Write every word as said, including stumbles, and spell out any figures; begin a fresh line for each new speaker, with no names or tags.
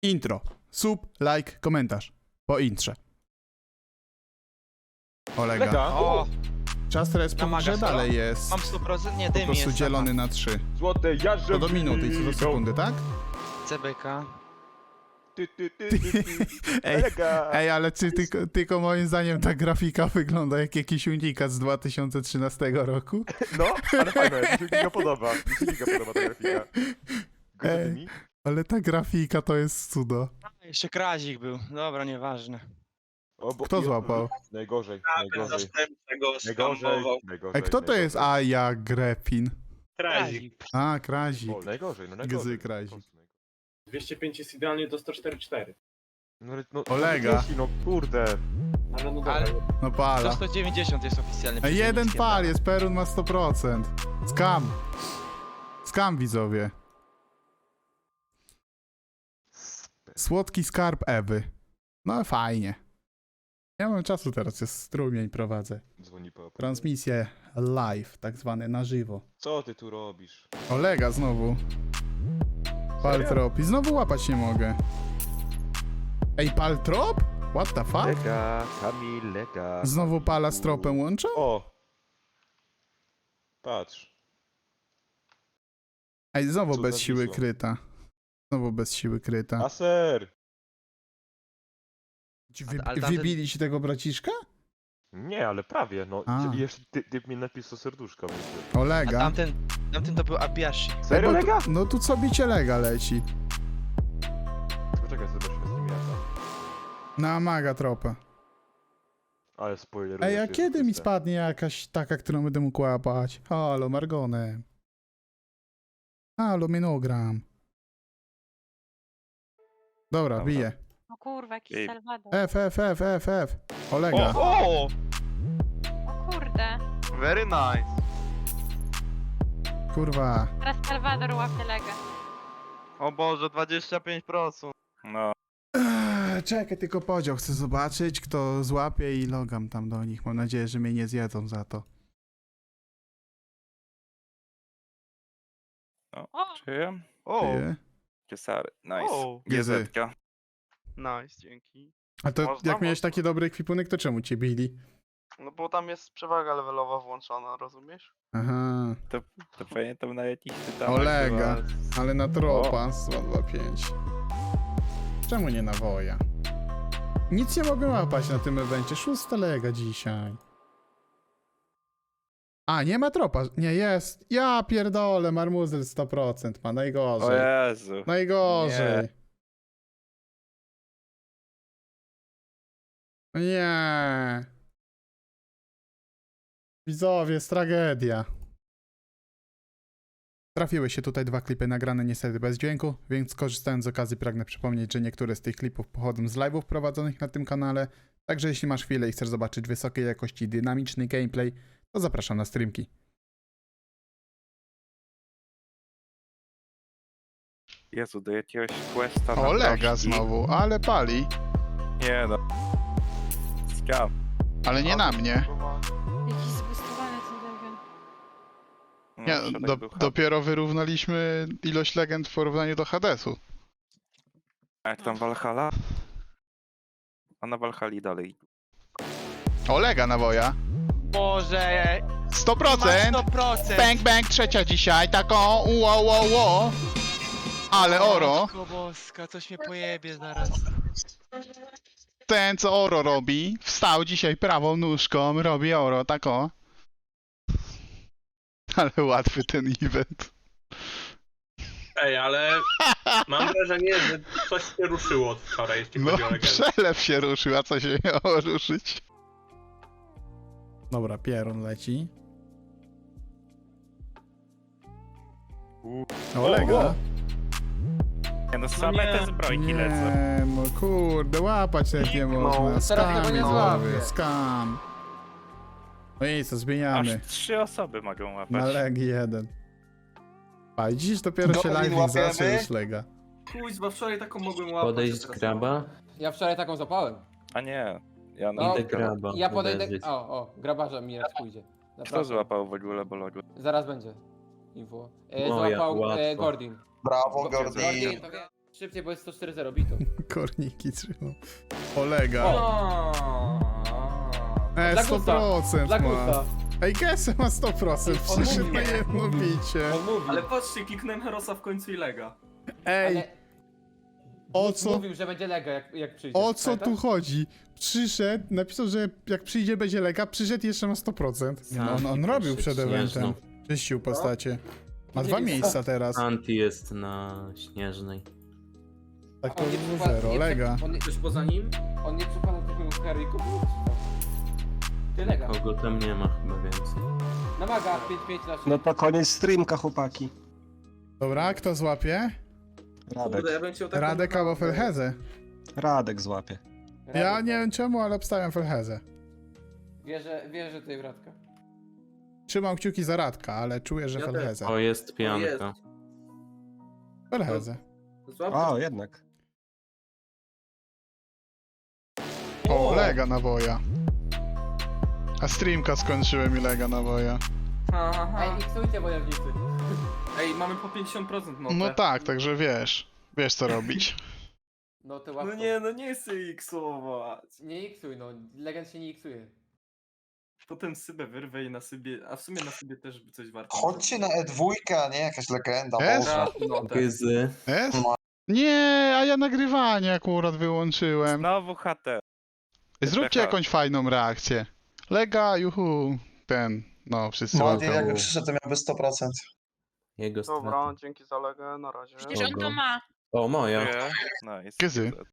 Intro. Sub, like, komentarz. Po intrze. Olega.
Lega.
O,
Czas respu
Na maga
że
solo?
dalej jest.
mam sto procent, nie
Po
dym
prostu
jest.
dzielony na trzy.
Złote jarze.
To do minuty i co do sekundy, tak?
C B K.
Ty, ty, ty, ty, ty.
Ej,
Lega.
ej, ale czy tylko, tylko moim zdaniem ta grafika wygląda jak jakiś unikat z dwa tysiące trzynastego roku?
No, ale fajne, mi się giga podoba. Mi się giga podoba ta grafika.
Ej.
Gotowi mi?
Ale ta grafika to jest cudo.
A, jeszcze krazik był. Dobra, nieważne.
O, bo-
Kto
i-
złapał?
Najgorzej, najgorzej.
Zastępczego
Najgorzej,
skampował.
najgorzej.
Ej, kto to jest Aja Grepin?
Krazik.
A, Krazik.
O, najgorzej, no
Gzy
najgorzej.
Krazik.
dwieście pięć jest idealnie do sto czterdzieści cztery.
No, ale- no,
Olega.
No, no kurde.
Ale no dobra.
Ale-
No
Do
pala.
sto dziewięćdziesiąt jest oficjalnie.
Ej, jeden
przeciwnikiem.
pal jest, Perun ma sto procent. Skam. Skam, widzowie. Słodki skarb Ewy. No fajnie. Ja mam czasu teraz, jest strumień prowadzę.
Dzwoni po.
Transmisję live, tak zwane na żywo.
Co ty tu robisz?
Olega znowu. Paltrop. I znowu łapać nie mogę. Ej, paltrop? What the fuck?
Lega, Kamil, lega.
Znowu pala z tropem łączą?
O! Patrz.
Ej, znowu
Co
bez
za
siły
wisło.
kryta. Znowu bez siły kryta.
Aser!
Ci wy,
ale tamten-
wybili ci tego braciszka?
Nie, ale prawie, no.
A.
I jeszcze ty, ty mi napisał serduszko. Więc...
A
Olega.
tamten, tamten to był Abiashi.
Serio,
Ej, bo
lega?
tu- No tu co bicie lega leci.
Poczekaj, zobaczmy z kim ja tam.
Na maga tropa.
Ale spoiler.
Ej, a kiedy mi spadnie jakaś taka, którą będę mógł łapać? Halo, Margonem. Halo, Minogram. Dobra,
Dobra.
bije.
O kurwa, jakiś
Ej.
Salwador.
F, F, F, F, F. Olega.
O!
O kurde.
Very nice.
Kurwa.
Teraz Salwador łapie legę.
O Boże, dwadzieścia pięć procent.
No.
Eee, czekaj, tylko podział. Chcę zobaczyć, kto złapie i logam tam do nich. Mam nadzieję, że mnie nie zjedzą za to.
O!
Czyje?
O!
Ty?
Cesary. Nice.
O!
Gezy.
Gezetka.
Nice, dzięki.
A to
Można,
jak miałeś
można.
taki dobry ekwipunek, to czemu cię bili?
No bo tam jest przewaga levelowa włączona, rozumiesz?
Aha.
To pamiętam na jakiś tytanach
Olega.
chyba z-
Ale na tropa z dwa dwa pięć. Czemu nie na woja? Nic nie mogę łapać na tym evencie. Szósta lega dzisiaj. A, nie ma tropa. Nie, jest. Ja pierdolę, Marmuzel sto procent ma.
O
Najgorzej.
Jezu.
Najgorzej. Nie. Widzowie, jest tragedia. Trafiły się tutaj dwa klipy nagrane niestety bez dźwięku, więc korzystając z okazji pragnę przypomnieć, że niektóre z tych klipów pochodzą z live'ów prowadzonych na tym kanale, także jeśli masz chwilę i chcesz zobaczyć wysokiej jakości dynamiczny gameplay, to zapraszam na streamki.
Jezu, do jakiegoś questa na
Olega
proszki.
znowu, ale pali.
Nie no. Skam.
Ale nie na mnie.
Jakiś zbustowany ten legend.
No,
Nie,
środek
do,
był hub.
dopiero wyrównaliśmy ilość legend w porównaniu do Hadesu.
A jak tam Valhalla? A na Valhalla dalej.
Olega nawoja.
Boże,
sto
masz
procent!
sto procent.
Bang bang trzecia dzisiaj, taką ło ło ło. Ale oro,
Matko boska, coś mnie pojebie zaraz.
ten co oro robi, wstał dzisiaj prawą nóżką, robi oro, tako. Ale łatwy ten event.
Ej, ale mam wrażenie, że coś się ruszyło od wczoraj, jeśli
No,
chodzi o legendę.
przelew się ruszył, a co się miało ruszyć? Dobra, pierun leci. Olega.
Nie no, same
nie.
te zbrojki lecą.
Nie, no kurde, łapać nawet nie można. Skam,
tego nie
widzowie,
złapię.
skam. No i co, zmieniamy.
Aż trzy osoby mogą
Na
łapać.
leg jeden. A dziś dopiero się live zaczął już lega.
Kuźwa, wczoraj taką mogłem łapać.
Podejść
a
z
teraz
graba?
Ja wczoraj taką zapałem.
A nie. Ja
No,
no,
Idę graba.
Ja podejdę.
uderzyć.
O, o, grabarza mi raz pójdzie.
Kto
Zapraszam.
złapał w ogóle bologu?
Zaraz będzie. Info. E,
Moja,
złapał e,
łatwo.
Gordin.
Brawo,
Gordin,
Gordy.
to wie. Szybciej, bo jest sto cztery zero bitów.
Korniki trzymał. Olega.
O.
E,
Dla
sto
gusta.
procent
Dla
ma.
gusta.
Ej, Gesę ma sto procent,
On
przyszedł
mówi.
na jedno bicie.
On mówi.
Ale patrzcie, kliknąłem Herosa w końcu i lega.
Ej,
Ale...
o
Wódz
co,
Mówił, że będzie lega jak, jak przyjdzie.
o co tu
Pamiętasz?
chodzi? Przyszedł, napisał, że jak przyjdzie będzie lega, przyszedł jeszcze ma sto procent. Nie, no, on, on robił przed eventem. Czyścił postacie. Ma dwa
Gdzie jest?
miejsca teraz.
Anti jest na Śnieżnej.
Tak to
On nie
było
przypada-
zero,
nie
lega.
przy- On nie,
Ktoś poza nim?
on nie przypada takiego Harry'ego. Ty lega.
Kogo tam nie ma chyba więcej.
Na maga, pięć pięć na
No to koniec streamka, chłopaki.
Dobra, kto złapie?
Radek.
Kurde, ja bym chciał taką...
Radek albo Felheze.
Radek złapie.
Ja nie wiem czemu, ale obstawiam Felheze.
Wierzę, wierzę tej Radka.
Trzymam kciuki za Radka, ale czuję, że
Ja też.
Felheze.
O, jest
jest.
pianka.
Felheze.
Złap...
O, jednak.
O, lega nawoja. A streamka skończyłem i lega nawoja.
Aha.
Ej, iksujcie wojownicy.
Ej, mamy po pięćdziesiąt procent mopę.
No tak, także wiesz. Wiesz co robić.
No to łatwo.
No nie, no nie chcę iksować.
Nie iksuj, no. Legend się nie iksuje.
Potem Sybę wyrwę i na Sybie, a w sumie na Sybie też by coś warto.
Chodźcie na E dwa, a nie jakaś legenda.
Jest?
Boże.
No, tak.
Gyzy.
Jest? Nie, a ja nagrywanie akurat wyłączyłem.
Znowu H T.
Zróbcie jakąś fajną reakcję. Lega, juhu, ten, no wszyscy
Młody
łapią.
jakby przyszedł, to miałby sto procent.
Jego strata.
Dobra, dzięki za legę, na razie.
Przecież on to
Kogo?
ma.
O, moja.
Nice.
Gyzy.